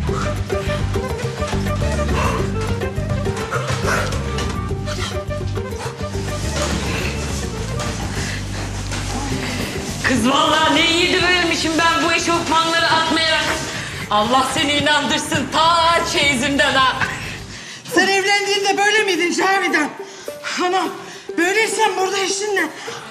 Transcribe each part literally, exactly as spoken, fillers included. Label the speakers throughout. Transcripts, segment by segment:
Speaker 1: Kız vallahi ne yiğidi vermişim ben bu eşofmanları atmayarak. Allah seni inandırsın ta çeyizimden ha.
Speaker 2: Sen evlendiğinde böyle miydin Cavidan? Anam böyleysen burada eşinle.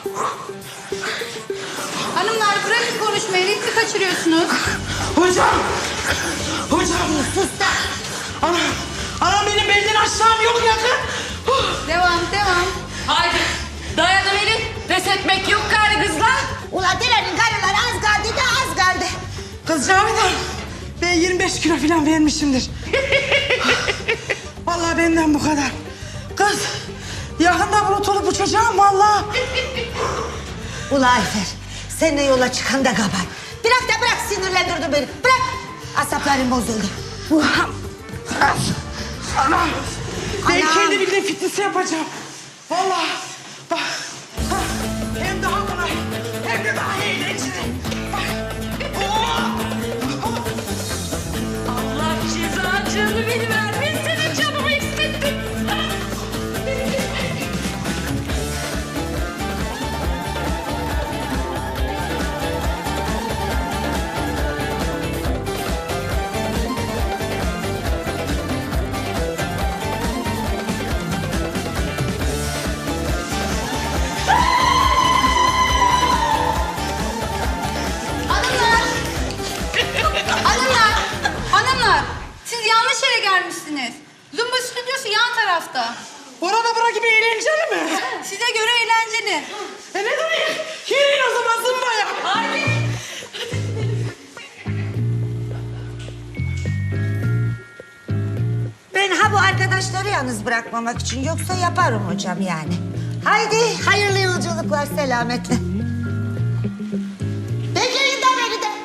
Speaker 3: Hanımlar bırakın konuşmayı, ritmi kaçırıyorsunuz.
Speaker 2: Hocam! Hocam! Sus da! Anam, anam benim belden aşağım yok yakın.
Speaker 3: Devam, devam.
Speaker 1: Haydi dayanıverin. Pes etmek yok gari kızlar.
Speaker 4: Ulan Dilan'ın karıları az kaldı da az kaldı.
Speaker 2: Kız Cavidan, ben yirmi beş kilo falan vermişimdir. Vallahi benden bu kadar. Kız, yakında bulut olup uçacağım vallahi.
Speaker 4: Ulan Ayfer, seninle yola çıkan da kabar. Bırak da bırak, sinirlendirdin beni. Bırak, asaplarım bozuldu.
Speaker 2: Anam, ben
Speaker 4: Anam.
Speaker 2: kendi bildiğim fitnesi yapacağım. Vallahi bak, bak, hem daha kolay hem de daha eğlenceli. Bak, oh!
Speaker 1: Allah cezacığını beni vermesin. Canımı hissettim.
Speaker 3: Hanımlar! Hanımlar! Hanımlar! Siz yanlış yere gelmişsiniz. Zumba stüdyosu yan tarafta.
Speaker 2: Orada bura gibi eğlenceli mi?
Speaker 3: Size göre eğlenceli.
Speaker 2: E ne demek? Yürüyün o zaman zımbaya.
Speaker 1: Haydi.
Speaker 4: Ben ha bu arkadaşları yalnız bırakmamak için, yoksa yaparım hocam yani. Haydi, hayırlı yolculuklar, selametle. Bekleyin de beni de.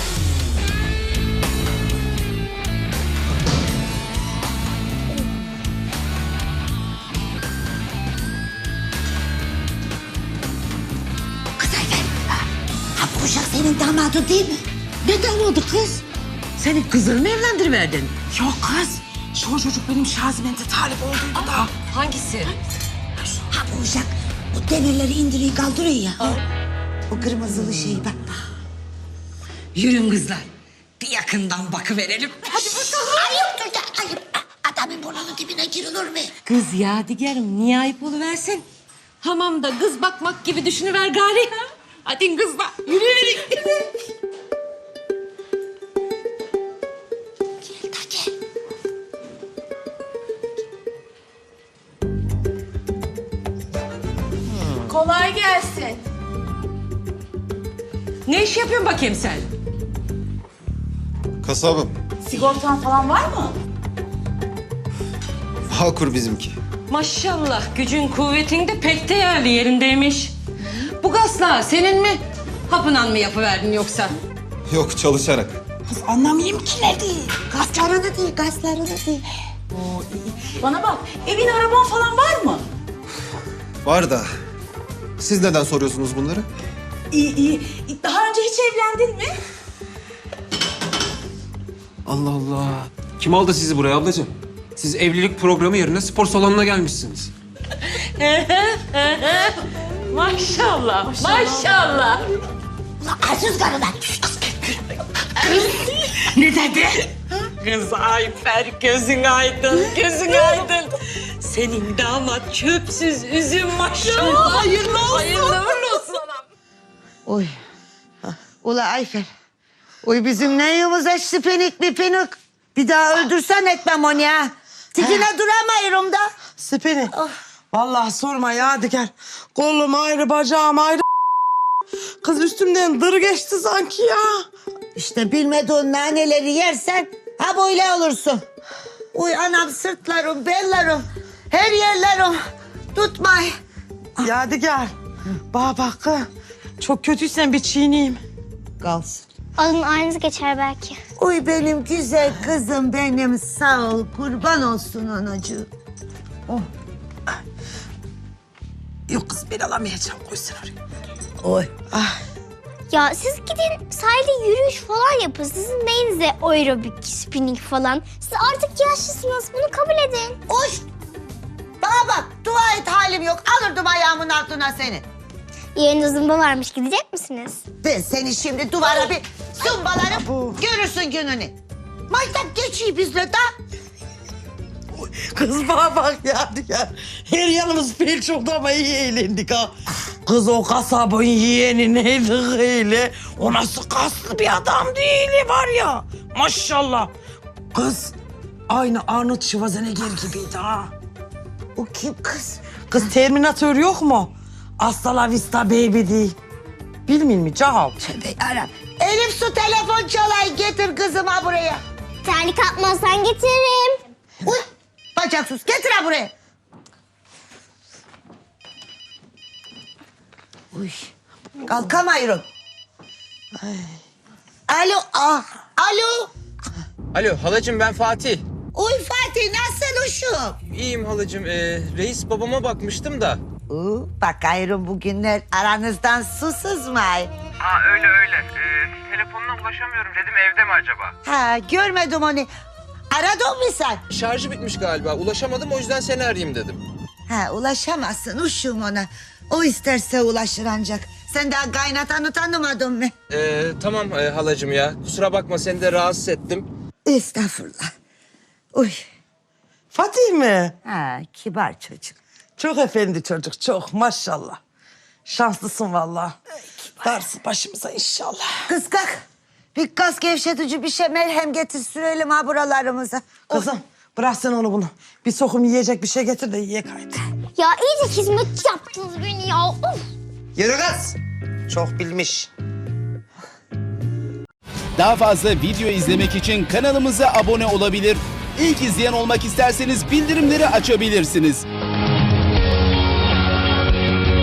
Speaker 4: Kız Ayfer, ha bu uşak senin damadın değil mi?
Speaker 5: Ne damadı kız? Senin kızını mı evlendiriverdin?
Speaker 2: Yok kız. Şu çocuk benim Şazimen'de talip olduğuydu da.
Speaker 1: Hangisi?
Speaker 4: Ha bu uşak o demirleri indiriyor kaldırıyor ya. O kırmızılı şey bak.
Speaker 5: Yürün kızlar. Bir yakından bakıverelim.
Speaker 4: Hadi bakalım. Ayıptır da ayıp. Adamın burnunun dibine girilir mi?
Speaker 1: Kız Yadigar'ım niye ayıp oluversin? Hamamda kız bakmak gibi düşünüver gari. Hadi kızlar yürüyün.
Speaker 4: Gel da gel.
Speaker 3: Kolay gelsin.
Speaker 1: Ne iş yapıyorsun bakayım sen?
Speaker 6: Kasabım.
Speaker 3: Sigortan falan var mı?
Speaker 6: Bağkur bizimki.
Speaker 1: Maşallah gücün kuvvetin de pek değerli yerindeymiş. Bu gazla senin mi? Hapınan mı yapıverdin yoksa?
Speaker 6: Yok, çalışarak.
Speaker 2: Kız anlamayayım ki ne değil.
Speaker 4: Gazlarını değil, gazlarını değil.
Speaker 3: Bana bak, evin araban falan var mı?
Speaker 6: Var da. Siz neden soruyorsunuz bunları?
Speaker 3: İyi iyi. Daha önce hiç evlendin mi?
Speaker 7: Allah Allah. Kim aldı sizi buraya ablacığım? Siz evlilik programı yerine spor salonuna gelmişsiniz.
Speaker 1: Maşallah, maşallah.
Speaker 4: Ulan arsız karılar.
Speaker 5: Ne dedi?
Speaker 1: Kız Ayfer gözün aydın, gözün aydın. Senin damat çöpsüz üzüm maşallah. Hayırlı olsun. Hayırlı uğurlu olsun anam.
Speaker 4: Oy. Ula Ayfer. Oy bizim neyimiz açtı penik bir penik. Bir daha öldürsen etmem onu ya. Tikine duramıyorum da.
Speaker 2: Siperi. Vallahi sorma Yadigar. Kolum ayrı, bacağım ayrı. Kız üstümden dır geçti sanki ya.
Speaker 4: İşte bilmediğin naneleri yersen ha böyle olursun. Uy anam, sırtlarım, bellerim, her yerlerim tutmay.
Speaker 2: Yadigar. Bana bak kız. Çok kötüysen bir çiğneyim.
Speaker 4: Kalsın.
Speaker 8: Adın aynısı geçer belki.
Speaker 4: Uy benim güzel kızım benim, sağ ol, kurban olsun anacığım.
Speaker 2: Yok kız ben alamayacağım, koysun oraya.
Speaker 4: Oy.
Speaker 2: Ah.
Speaker 8: Ya siz gidin sahilde yürüyüş falan yapın. Sizin neyinize aerobik, spinning falan. Siz artık yaşlısınız. Bunu kabul edin.
Speaker 4: Uş! Bana bak, dua et halim yok. Alırdım ayağımın altına seni.
Speaker 8: Yarın zumba varmış. Gidecek misiniz?
Speaker 4: Ben seni şimdi duvara bir zımbalarım. Görürsün gününü. Maytap geçiyor bizle de.
Speaker 2: Kız bana bak ya, ya. Her yanımız pek çok da ama iyi eğlendik ha. Kız o kasabın yeğeni neydi öyle? O nasıl kaslı bir adam değil var ya. Maşallah. Kız aynı Arnold Schwarzenegger gibiydi ha.
Speaker 4: O kim kız?
Speaker 2: Kız Terminator yok mu? Hasta la vista baby değil. Bilmiyor mi Cahav?
Speaker 4: Tövbe Arap. Elif su telefon çalay getir kızıma buraya.
Speaker 8: Terlik atmazsan getiririm.
Speaker 4: Uy bacaksız getir ha buraya. Uy kalkamayırım. Ay. Alo ah alo.
Speaker 7: Alo halacığım ben Fatih.
Speaker 4: Uy Fatih nasıl uşum?
Speaker 7: İyiyim halacığım. Ee, reis babama bakmıştım da.
Speaker 4: Uu, bak ayrım bugünler aranızdan su sızmay.
Speaker 9: Aa öyle öyle. Ee, telefonuna ulaşamıyorum dedim evde mi acaba?
Speaker 4: Ha görmedim onu. Aradın mı sen?
Speaker 7: Şarjı bitmiş galiba. Ulaşamadım o yüzden seni arayayım dedim.
Speaker 4: Ha ulaşamazsın uşum ona. O isterse ulaşır ancak. Sen daha kaynatanı tanımadın mı?
Speaker 7: Ee, tamam e, halacığım ya. Kusura bakma seni de rahatsız ettim.
Speaker 4: Estağfurullah. Uy.
Speaker 2: Fatih mi?
Speaker 4: Ha kibar çocuk.
Speaker 2: Çok efendi çocuk, çok maşallah. Şanslısın vallahi. Varsın başımıza inşallah.
Speaker 4: Kız kalk. Bir kas gevşetici bir şey merhem getir sürelim ha buralarımıza.
Speaker 2: Kızım bırak sen onu bunu. Bir sokum yiyecek bir şey getir de yiyek haydi.
Speaker 8: Ya iyice hizmet yaptınız beni ya. Of.
Speaker 2: Yürü kız. Çok bilmiş.
Speaker 10: Daha fazla video izlemek için kanalımıza abone olabilir. İlk izleyen olmak isterseniz bildirimleri açabilirsiniz.